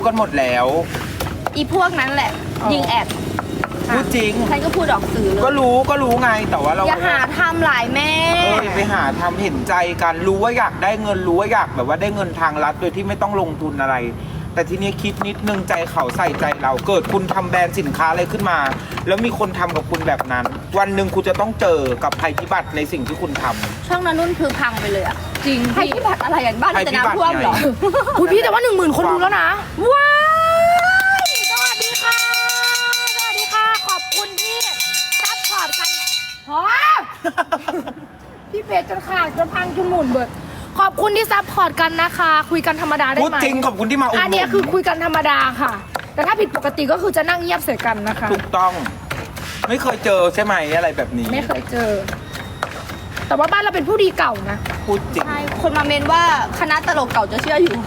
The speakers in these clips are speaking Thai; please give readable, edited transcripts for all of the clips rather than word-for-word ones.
กันหมดแล้วอีพวกนั้นแหละ ยิงแอดพูดจริงฉันก็พูดออกสื่อเลยก็รู้ไงแต่ว่าเราอย่าหาทำหลายแม่อย่าไปหาทำเห็นใจกันรู้ว่าอยากได้เงินรู้ว่าอยากแบบว่าได้เงินทางลัดโดยที่ไม่ต้องลงทุนอะไร แต่ทีนี้คิดนิดนึงใจเขาใส่ใจเราเกิดคุณทำแบรนด์สินค้าอะไรขึ้นมา แล้วมีคนทำกับคุณแบบนั้น วันหนึ่งคุณจะต้องเจอกับภัยพิบัติในสิ่งที่คุณทำช่องนั้นนุ่นคือพังไปเลยอะจริงภัยพิบัติอะไรอย่างบ้านจะน้ำท่วมเหรอคุณพี่แต่ว่า10,000 คนดูแล้วนะว้ายสวัสดีค่ะ สวัสดีค่ะ ขอบคุณที่ซัพพอร์ตกันฮะพี่เพจจนขาดจนพังจนหมุนเบิด ขอบคุณที่ซัพพอร์ตกันนะคะ คุยกันธรรมดาได้พูดไหมจริงขอบคุณที่มาอุดหนุนอันเนี้ยคือคุยกันธรรมดาค่ะ แต่ถ้าผิดปกติก็คือจะนั่งเงียบใส่กันนะคะถูกต้อง ไม่เคยเจอใช่ไหมอะไรแบบนี้ไม่เคยเจอ แต่ว่าบ้านเราเป็นผู้ดีเก่านะพูดจริงใช่คนมาเมนว่าคณะตลกเก่าจะเชื่ออยู่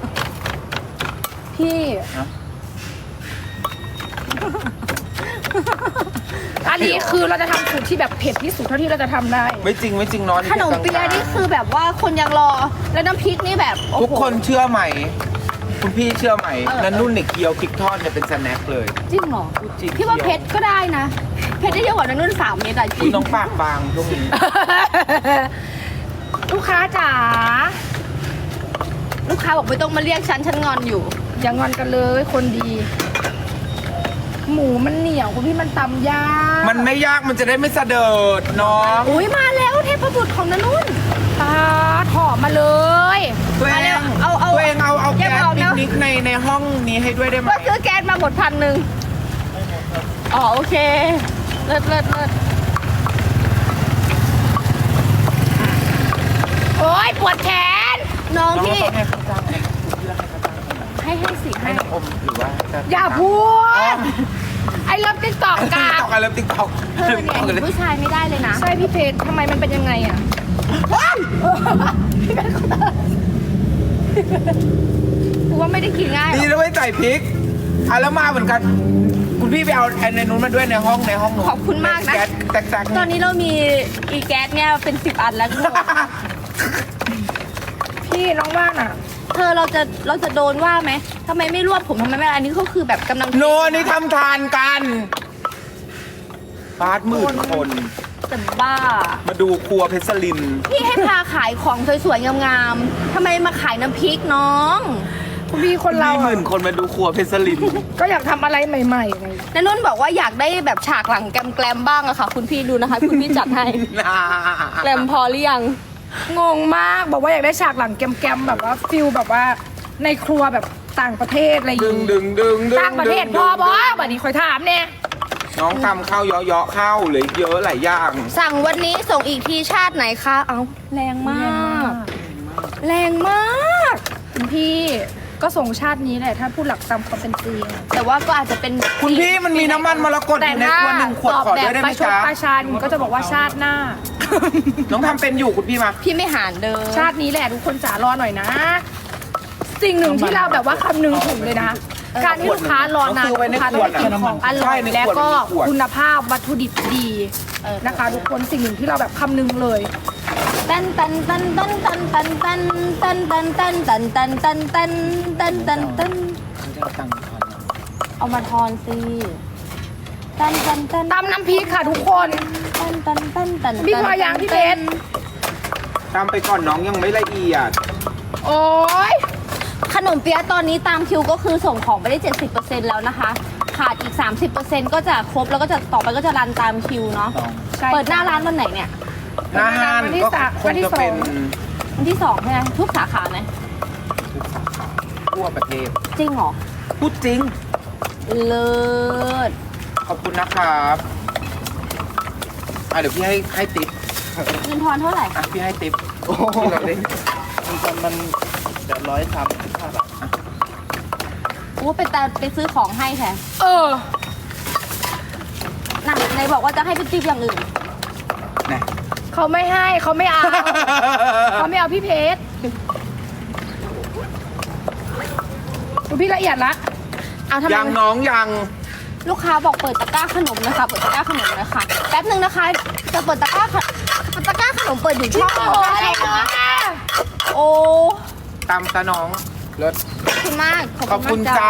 พี่ฮะอันนี้คือเราจะทำสูตรที่แบบเผ็ดที่สุดเท่าที่เราจะทำได้ไม่จริงนอนขนมเปี๊ยะนี่คือแบบว่าคนยังรอ แล้วน้ำพริกนี่แบบโอ้โหทุกคนเชื่อไหม คุณพี่เชื่อไหมเออนั่นนุ่นเนี่ยเคี้ยวพริกทอดเนี่ยเป็นสแน็คเลยจริงเหรอพูดจริงพี่ว่าเพชรก็ได้นะ เพชรได้เยอะกว่านั้นนุ่น3 เม็ดอะจคุริณงน้องปากบางช่วงนี้ลูกค้าจ๋าลูกค้าบอกไม่ต้องมาเรียกฉันงอนอยู่อย่างอนกันเลยคนดี หมูมันเหนียวคุณพี่มันตำยากมันไม่ยากมันจะได้ไม่สะเดิดน้องอุ้ยมาแล้วเทพบุตรของนันนุ่นตาถอมมาเลยตัวเอมาแล้วงเอาตัวเองเอาอย่าแก๊สบอกปินะกนิกในห้องนี้ให้ด้วยได้ไหมก็ซื้อแก๊สมาหมด1,000อ๋อโอเค เลิศโอ๊ยปวดแขนน้องน้องพี่ต้องให้เขาจ้างให้คุณพี่ให้เขาจ้างเท่าไหร่ให้สิให้น้องอมหรือว่าจะอย่าพูด ไอ้เลิฟติ๊กตอกติ๊กกาตอกอะไรติ๊กตอกเธอเนี่ยเห็นผู้ชายไม่ได้เลยนะใช่พี่เพชรทำไมมันเป็นยังไงอ่ะกูว่าไม่ได้กินง่ายหรดีอกแล้วไม่ใส่พริกอ่ะแล้วมาเหมือนกัน คุณพี่ไปเอาไอ้ในนู้นมาด้วยในห้องนู้นขอบคุณมากนะแก๊สแตกๆตอนนี้เรามีอีแก๊สเนี่ยเป็น10 อันแล้วทุกคนพี่น้องว่านอ่ะเธอเราจะโดนว่าไหมทำไมไม่รวบผมทำไมไม่อันนี้ก็คือแบบกำลังโนนี่ทำทานกันบาสหมื่นคนแต่บ้ามาดูครัวเพชรลินพี่ให้พาขายของสวยๆงามๆทำไมมาขายน้ำพริกน้องคุณพี่คนเรามีหมื่นคนมาดูครัวเพชรลินก็อยากทำอะไรใหม่ๆไงนันนุ่นบอกว่าอยากได้แบบฉากหลังแกลมๆบ้างอะค่ะ คุณพี่ดูนะคะ คุณพี่จัดให้แกลมพอหรือยังงงมากบอกว่าอยากได้ฉากหลังแกมๆแบบว่าฟิลแบบว่าในครัวแบบต่างประเทศอะไรอย่างดึงงี้ดึงต่างประเทศพอบอแบบนี้คอยถามเนี่ยน้องทำข้าวเยาะๆข้าวเหลยเยอะหลายอย่างสั่งวันนี้ส่งอีกทีชาติไหนคะเอาแรงมาก แรงมากคุณพี่ก็ส่งชาตินี้แหละถ้าพูดหลักตามความเป็นจริงแต่ว่าก็อาจจะเป็นคุณพี่มันมีน้ำมันมรกตอแต่ยู่ในถ้าขวดหนึ่งขวดตอบขอแบด้บวยได้ปไหมระชดจ๊ะประชันก็จะบอกว่าชาติหน้าน้องทำเป็นอยู่คุณพี่มาพี่ไม่หารเดิมชาตินี้แหละทุกคนจ๋ารอหน่อยนะ สิ่งหนึ่งที่เราแบบว่าคำนึงถึงเลยนะ การที่ลูกค้ารอนานเอาซื้อไว้ในลูกค้าขวดได้กินของอร่ใช่อยในขวดแล้วก็ในขวดคุณภาพวัตถุดิบดีนะคะ ทุกคนสิ่งหนึ่งที่เราแบบคำนึงเลยตันตันตันตันตันตันตันตันตันตันตันตันตันตันตันตันตันเขาจะเอาตังค์ทอนเอามาทอนสิตันตันตันตำน้ำพริกค่ะทุกคนตันตันตันตันพี่พอยังพี่เพชรตามไปก่อนน้องยังไม่ละเอียดโอ้ยขนมเปี๊ยะตอนนี้ตามคิวก็คือส่งของไปได้ 70% แล้วนะคะ ขาดอีก 30%ก็จะครบแล้วก็จะต่อไปก็จะรันตามคิวเนาะใช่เปิดหน้าร้านวันไหนเนี่ยหน้าห้านวันที่ก็สามควังนที่จะสองเป็นวันที่2ใช่ไหมทุกสาขาไหมทุกสาขาทั่วประเทศจริงเหรอพูดจริงเลิศขอบคุณนะครับเดี๋ยวพี่ให้ติ๊บเงินทอนเท่าไหร่พี่ให้ติ๊บที่เราได้มันจะ135 บาทโอ้ไปซื้อของให้แทนเออน่ะไหนบอกว่าจะให้เป็นติ๊บอย่างอื่นนะเขาไม่ให้เขาไม่เอา เขาไม่เอาพี่เพชรดูพี่ละเอียดละเอาทำไมยังน้องยังลูกค้าบอกเปิดตะกร้าขนมนะคะ เปิดตะกร้าขนมนะคะแป๊บนึงนะคะ จะเปิดตะกร้าขนมเปิดอยู่ช่องโอ้อะไรเนาะโอ้ตามตาน้องรถคือคุณมากขอบคุณมกจ้า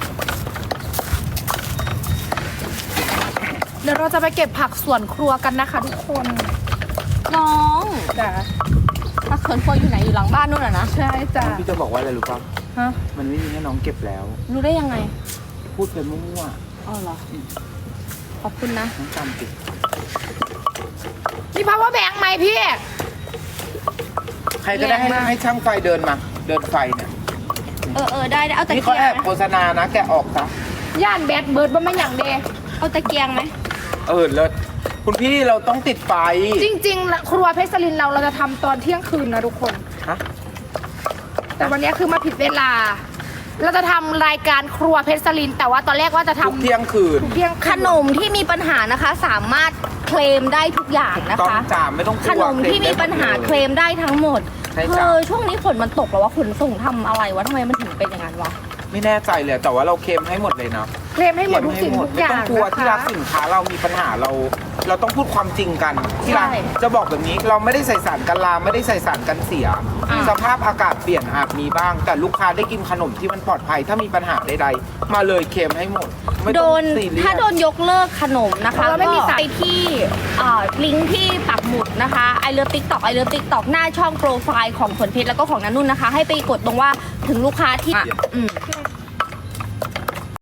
เดี๋ยวเราจะไปเก็บผักสวนครัวกันนะคะทุกคนน้องจ้ะผักสวนครัวอยู่ไหนอยู่หลังบ้านนู่นเหรอนะใช่จ้ะพี่จะบอกว่าอะไรรู้ป่ะฮะมันไม่มีให้น้องเก็บแล้วรู้ได้ยังไงพูดไปมั่วอ๋อเหรอขอบคุณนะๆน้องจำติดมี power bank ไหมพี่ใครก็ได้ให้แรงมากให้ช่างไฟเดินมา เดินไฟเนี่ยได้เอาตะนี่เกีเขายแอง บไหมโฆษณานะ แกะออกซะย่านแบดเบิร์ดบ่แม่นอย่างเดเอาตะเกียงไหมเลิศคุณพี่เราต้องติดไฟจริงๆ ครัวเพชรสลินเราจะทำตอนเที่ยงคืนนะทุกคนฮะแต่วันนี้คือมาผิดเวลา เราจะทำรายการครัวเพชรสลิน แต่ว่าตอนแรกว่าจะทุกทำเที่ยงคืนทุกเที่ยงขนมที่มีปัญหานะคะ สามารถเคลมได้ทุกอย่างนะต้องคะจ่าไม่ต้องกขลัวนมที่มีปัญหาเคลมได้ทั้งหมดใช่จ้ะช่วงนี้ฝนมันตกแล้วว่าขนส่งทำอะไรวะทำไมมันถึงเป็นอย่างนั้นวะไม่แน่ใจเลยแต่ว่าเราเค็มให้หมดเลยนะเคลมให้หมดทุกสิ่งทุกอย่างไม่ต้องกลัวนะที่รัคะกสินค้าเรามีปัญหาเราต้องพูดความจริงกันที่รักใช่จะบอกแบบนี้เราไม่ได้ใส่สารกันราไม่ได้ใส่สารกันเสีย สภาพอากาศเปลี่ยนอาจมีบ้าง แต่ลูกค้าได้กินขนมที่มันปลอดภัย ถ้ามีปัญหาใดๆมาเลยเค็มให้หมดไม่โดต้องนซีเรียสถ้าโดนยกเลิกขนมนะคะเราไม่มีก็สายไปที่ลิงก์ที่ปักหมุดนะคะไอเลิฟติ๊กต็อกหน้าช่องโปรไฟล์ของฝนเพชรแล้วก็ของนันนุ่นนะคะ ให้ไปกดตรงว่าถึงลูกค้าที่อืม